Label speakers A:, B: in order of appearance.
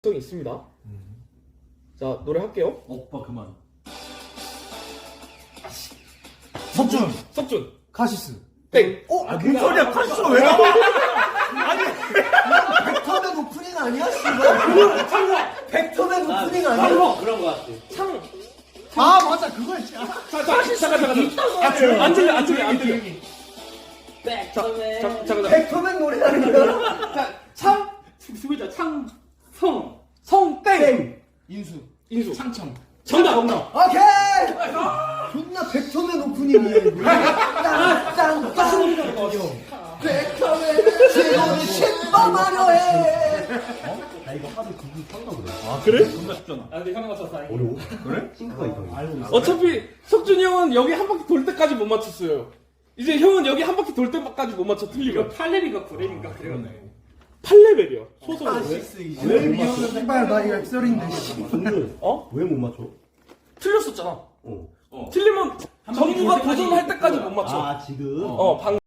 A: 특성이 있습니다. 자, 노래 할게요.
B: 오빠 그만.
C: 석준,
A: 석준.
C: 카시스.
A: 땡.
C: 뭔 소리야? 카시스가 왜 나와?
D: 벡터맨 오프닝 아니야? 씨발. 벡터맨 오프닝 아니야?
B: 그런 거 같아.
A: 창.
C: 아 맞아 그거야.
A: 잠깐. 안 들려. 잠깐.
D: 벡터맨 노래라는 거야?
A: 자, 창.
B: 수비자 창성.
A: 성 땡.
C: 인수.
A: 창청. 정답.
D: 오케이! 존나 벡터맨 오프닝이야, 이거. 땅땅땅. 벡터맨 최고의 신범하려 해.
E: 나 이거 하도 그분 산다 그래.
A: 아, 그래?
B: 존나 쉽잖아. 아 근데 형이 맞춰서 다행이야.
E: 어려워? 그래? 싱크가 있어. 알고 있어.
A: 어차피 석준이 형은 여기 한 바퀴 돌 때까지 못 맞췄어요. 이제 형은 여기 한 바퀴 돌 때까지 못 맞춰 틀리면.
B: 8렙인가 9렙인가 그래요.
A: 8레벨이요. 소설로.
D: 카시스 이제.
E: 왜 못 맞춰?
C: 씨발 나 이거 엑셀인데.
E: 동준.
A: 어?
E: 왜 못 맞춰?
A: 틀렸었잖아.
E: 어.
A: 틀리면 정우가
B: 돌 때까지
A: 도전할 때까지 못 맞춰.
E: 아 지금.
A: 방